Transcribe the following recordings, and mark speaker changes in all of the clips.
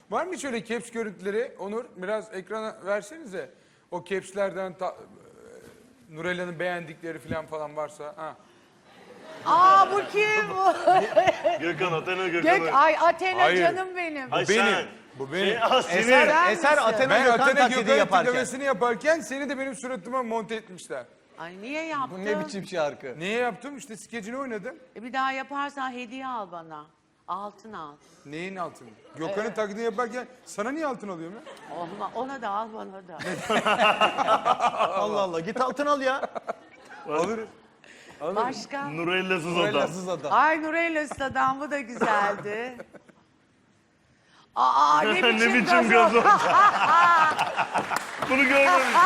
Speaker 1: Var mı hiç öyle caps görüntüleri? Onur biraz ekrana versenize. O capslerden Nurella'nın beğendikleri falan varsa. Ha.
Speaker 2: Aa bu kim bu?
Speaker 3: Gökhan, Athena Gökhan'ı.
Speaker 2: Ay Athena
Speaker 1: Hayır.
Speaker 2: canım benim.
Speaker 3: Ay
Speaker 1: benim.
Speaker 3: sen.
Speaker 1: Bu benim.
Speaker 3: Senin.
Speaker 2: Sen
Speaker 4: Eser
Speaker 2: misin?
Speaker 4: Athena
Speaker 1: Ben
Speaker 4: Gökhan
Speaker 1: Athena
Speaker 4: taklidi
Speaker 1: Gökhan'ın
Speaker 4: yaparken.
Speaker 1: tiplemesini yaparken seni de benim suratıma monte etmişler.
Speaker 2: Ay niye yaptın?
Speaker 4: Bu ne biçim şarkı?
Speaker 1: Niye yaptım? İşte skecini oynadım.
Speaker 2: Bir daha yaparsan hediye al bana. Altın al.
Speaker 1: Neyin altını? Gökhan'ın taklidini yaparken sana niye altın alıyorum ya?
Speaker 2: Ona da al bana da.
Speaker 4: Allah Allah git altın al ya.
Speaker 1: Alırız.
Speaker 2: Başka?
Speaker 3: Nurella'sız adam.
Speaker 4: Nurella'sız adam.
Speaker 2: Ay Nurella Stadan bu da güzeldi. Aa ne biçim,
Speaker 3: Ne biçim
Speaker 2: gazoz.
Speaker 3: gazoz. Bunu görmemiştim.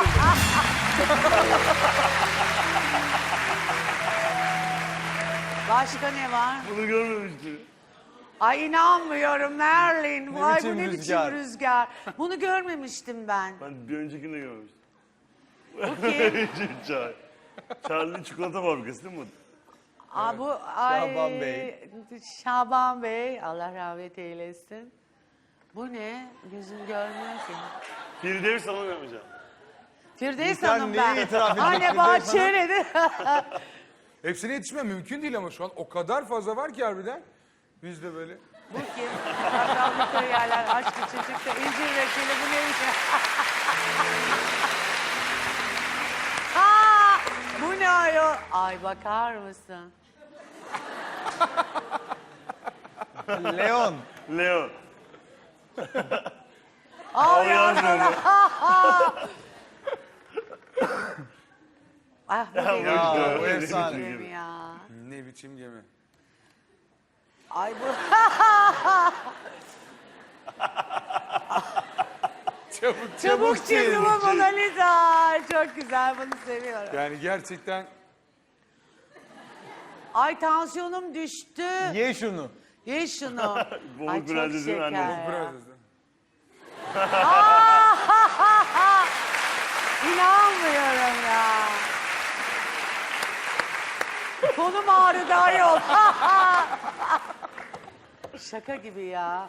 Speaker 2: Başka ne var?
Speaker 3: Bunu görmemiştim.
Speaker 2: Ay inanmıyorum Merlin. Vay bu
Speaker 4: biçim
Speaker 2: ne
Speaker 4: rüzgar.
Speaker 2: biçim rüzgar. Bunu görmemiştim ben.
Speaker 3: Ben bir öncekini de görmemiştim.
Speaker 2: Bu kim?
Speaker 3: Çay. Charlie çikolata fabrikası değil mi?
Speaker 2: Aa, bu ay,
Speaker 4: Şaban Bey.
Speaker 2: Şaban Bey. Allah rahmet eylesin. Bu ne? Gözüm görmüyor ki.
Speaker 3: Firdevs sana yapacağım.
Speaker 2: Firdevs
Speaker 4: Sen
Speaker 2: Hanım
Speaker 4: neyi
Speaker 2: ben.
Speaker 4: itiraf edeceksin
Speaker 2: Anne
Speaker 4: Firdevs
Speaker 2: bahçeli.
Speaker 1: Hepsine yetişmem mümkün değil ama şu an o kadar fazla var ki harbiden. Biz de böyle.
Speaker 2: Bu kim? Bakalım yerler aşkı çocukta incir reçeli bu neymiş? Aa, bu ne ayol? Ay bakar mısın?
Speaker 4: Leon.
Speaker 3: Leo.
Speaker 2: Al
Speaker 3: yazma
Speaker 2: ya.
Speaker 3: onu.
Speaker 2: Ah bu
Speaker 3: Ya,
Speaker 2: benim
Speaker 4: Ya, bu
Speaker 3: Ne
Speaker 4: efsane.
Speaker 3: biçim
Speaker 2: gemi
Speaker 3: gibi.
Speaker 2: ya.
Speaker 1: Ne biçim gemi.
Speaker 2: Ay bu. Çabuk çizimi Mona Lisa. Çok güzel bunu seviyorum.
Speaker 1: Yani gerçekten
Speaker 2: Ay tansiyonum düştü.
Speaker 4: Ye şunu.
Speaker 2: Ye şunu.
Speaker 3: Boğuk
Speaker 2: Ay çok
Speaker 3: Prenses'in
Speaker 2: şeker
Speaker 3: annesi.
Speaker 2: ya.
Speaker 1: biraz
Speaker 2: İnanmıyorum ya. Kolum ağrıdı ayol. Şaka gibi ya.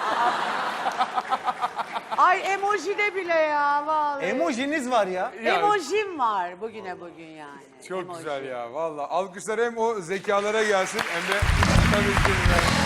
Speaker 2: Ay emoji de bile ya vallahi.
Speaker 4: Emojiniz var ya.
Speaker 2: Emojim var bugüne bugün yani.
Speaker 1: çok
Speaker 2: Emoji.
Speaker 1: güzel ya valla. Alkışlar hem o zekalara gelsin hem de tabii ki.